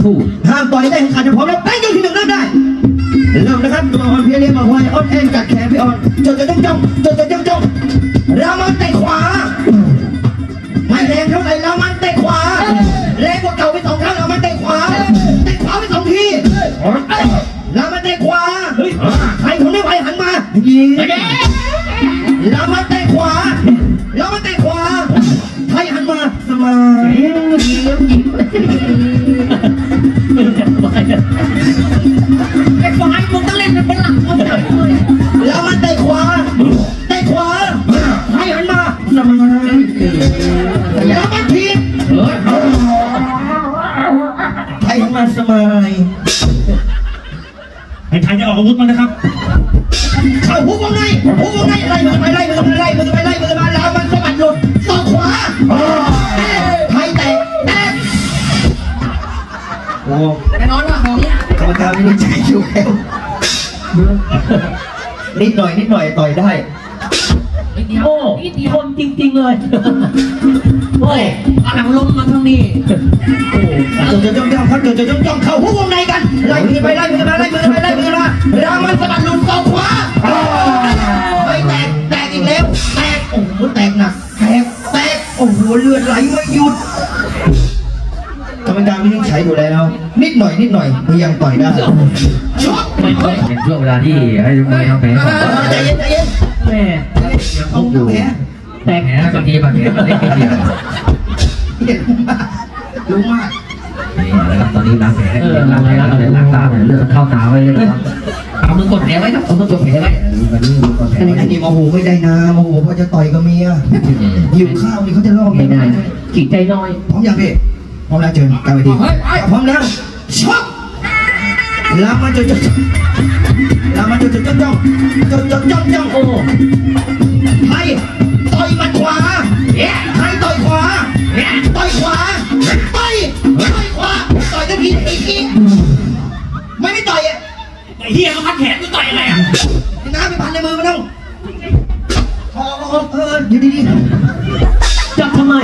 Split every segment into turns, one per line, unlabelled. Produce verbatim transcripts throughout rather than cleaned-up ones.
คู่
ห้ามต่อยได้ขาดจะพร้อมแล้วแป้งยกที่หนึ่งเริ่มได้เริ่มนะครับตัวอ่อนเพียเรียมาควายอ่อนแอนกัดแขนพี่อ่อนจดจะจ้องจ้องจดจะจ้องจ้องรามันเตะขวาไม่แรงเท่าไหร่รามันเตะขวาแรงกว่าเก่าไปสองครั้งรามันเตะขวาเตะขวาไปสองทีรามันเตะขวาใครทนไม่ไหวหันมายิงรามันเตะขวารามันเตะขวาใครหันมาสมายยิงยิง
ไอ้ฝ่ายมึงต้องเล่นเป็นหลักเอาไปเลย
แล้วมันเตะขวาเตะขวาให้หันมาสมายแล้วมันทีบให้หันมาสมาย
ให้ไทยจะออกอาวุธมันนะครับ
เข้าหุบวงในหุบวงในไล่มือไปไล่มือไปไล่มือไปไล่มือมาแล้วมันสะบัดหลุดศอกขวาไทยเตะแตะโอ้
แน่นอนว่าของนี้
กรรมการไม่ได้ใจอยู่แล้วนิดหน่อยนิดหน่อยต่อยได้
โอ้คนจริงๆเลยโอ้
เอาหลังล้มมาทางนี้
โอ้จนจะจ้องจ้องเขาจนจะจ้องจ้องเข้าหุบวงในกันไล่มือไปไล่มือมาไล่มือไปไล่มือมารามันสะบัดหลุดศอกขวาไม่แตกแตกอีกแล้วแตกโอ้โหแตกหนักแตกแตกโอ้โหเลือดไหลไม่หยุดกรรมการไม่ได้ใช้อยู่แล้วนิดหน่อยนิดหน่อยมันยังต่อยได้ช็อต
เป็นช่วงเวลาที่ให้ทุกคนทำแผล
ใจเย็นใจเย็น
แม่
ยังคงอยู่
แต่แผลบางทีบางทีมันเล็กนิดเดียว
รู้มาก
นี่นะครับตอนนี้ล้างแผลล้างแผลล้างแผลล้างตาเลือดเข้าตาไว้เลยครับเอามือกดแผลไว้ครับเอามือกดแผลไว้วันนี้มือกดแผลไว้
อันนี้โมโหไม่ได้นะโมโหเพราะจะต่อยกับเมียหิวข้าวนี่เขาจะล่อ
ไม่ได้ขีดใจน้อย
พร้อมยังพี่พร้อมแล้วเชิญกลางเวทีพร้อมแล้วช็อตแล้วมันจะจะแล้วมันจะจะจ้องจ้องจ้องจ้องจ้องจ้องโอ้ไทยต่อยมัดขวาไทยต่อยขวาต่อยขวาต่อยต่อยขวาต่อยกันทีอีกทีไม่ไม่ต่อยอ่ะ
ไอ้เฮียเขาพัดแขนมึงต่อยอะไรอ่ะ
น้ำไปพันในมือมันต้องเออเอออยู่ดี
ๆจับทำไม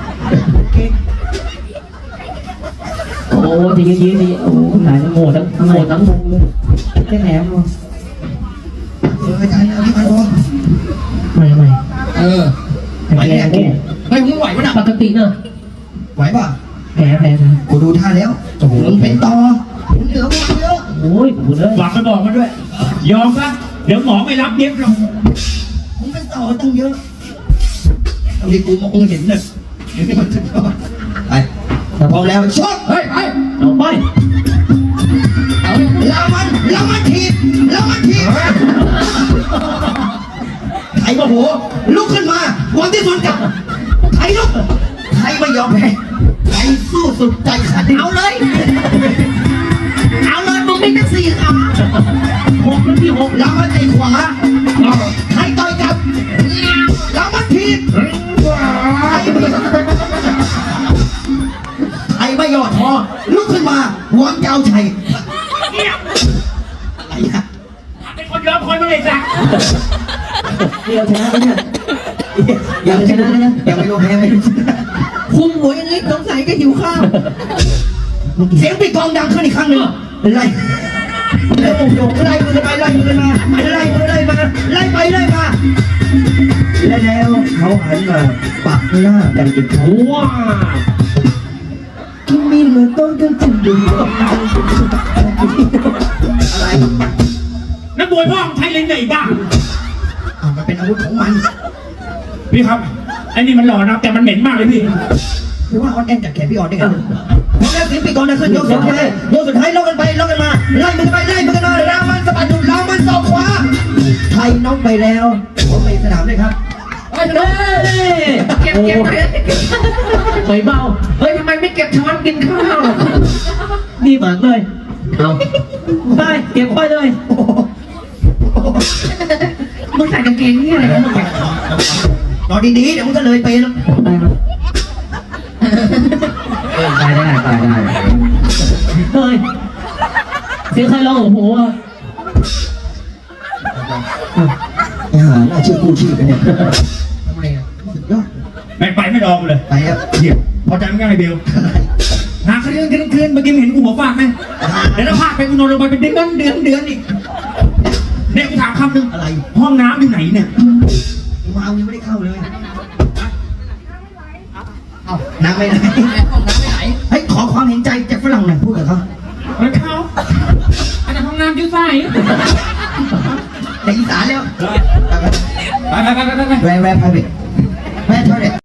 โอ้ทีนี้ทีนี้โอ้หายทั้งโง่ทั้งโง่ทั้งงงเลยแค่แหนมเลย
เออใช่เอาที่พันบอล
ไม่ไม่
เออ
ไหวแน่แน่
ไม่มึงไหววะน่ะ
ปกติเนอะ
ไหวป่ะ
แผลแผลนะ
กูดูท่าแล้วโอ้โหมันเป็นต่อเหลือมันเยอะ
โอ้ยกูเลย
ฝากไปบอกมันด้วย ยอมซะเดี๋ยวหมอไม่รับเย็บหรอก
มันเป็นต่อตั้งเยอะตอนนี้กูมองเห็นเลยเดี๋ยวนี้มันจะต่อไปพร้อมแล้วช็อต
เฮ้ยไป
เอาไป
แล้วมันแล้วมันทีบแล้วมันทีบไอ้โมโหลุกขึ้นมาวันที่สุดกับไอ้ลุกไอ้ไม่ยอมแพ้ไอ้สู้สุดใจขาด
เอาเลยเอาเลยมึงไม่ได้สี่ขา
หกนาทีหก
แล้วมันตีขวาไอ้ต่อยกับแล้วมันทีบไอ้ไม่ยอมพอลุกขึ้นมาหวังเจ้าชัยอะไรอะ
เป็นคนยอมคนมาเลยจ้ะ
เดียวชนะไหมเนี่ย
ยังชนะนะยังไม่รู้แพ้ไหม
คุมหัวอย่างนี้สงสัยก็หิวข้าว
เสียงปีกองดังขึ้นอีกครั้งหนึ่งไล่ไล่โอ้โหไล่มือไปไล่มือมาไล่มือไล่มาไล่ไปไล่มาและแล้วเขาหันมาปักหน้ากันอีกครั้งว้าคิมิโนโตะกันจิดูอะไร
นักมวยพ่อใช้เล่นไหนบ้าง
อ่ามันเป็นอาวุธของมัน
พี่ครับไอ้นี่มันหล่อนะแต่มันเหม็นมากเลยพี่
หรือว่าออนแอนจากแขนพี่ออนได้ไงพอแล้วสิปีกองดังขึ้นยกสุดท้ายยกสุดท้ายล็อกกันไปล็อกกันมาไล่มือไปไล่มือกันมารามันสะบัดหลุดรามันศอกขวาไทยน็อกไปแล้วผมไปสนามเลยครับ
เฮ้ยเก็บเก็บ
ไม่เบา
เฮ้ยทำไมไม่เก็บช้อนกินข้าว
ดีมากเลยเอาไปเก็บไปเลย
มึงใส่กางเกงนี่อะไรกันมึง
นอนดีๆเดี๋ยวมึงก็เลยไปแล้ว
ตายได้ตายได้เฮ้ยเสียงใครร้องโอ้โหอ่ะ
ไอ้ห่าน่าเชื่อกู้ชีพไปเนี่ย
ทำไมอ่ะ
สุดยอด
ไม่ไปไม่รอกูเลย
ไปครับ
เดี๋ยวพอใจไม่ง่ายเบลหาคดีคืนคืนคืนเมื่อกี้เห็นกูหัวฟาดไหมเดี๋ยวเราพาไปกูนอนลงไปเป็นเดือนเดือนเดือนอีกเนี่ยกูถามคำหนึ่ง
อะไร
ห้องน้ำอยู่ไหนเนี่ย
มาเอายังไม่ได้เข้าเลยเอาน้ำไปไหน
ห้องน้ำไปไหน
เฮ้ยขอความเห็นใจจากฝรั่งหน่อยพูดกับเขา
มันเข้าอันนั้นห้องน้ำอยู่ใส่
ในอีสานแล้ว
ไปไปไปไปไป
แวร์แวร์พาเวทแวร์ทอยเล็ต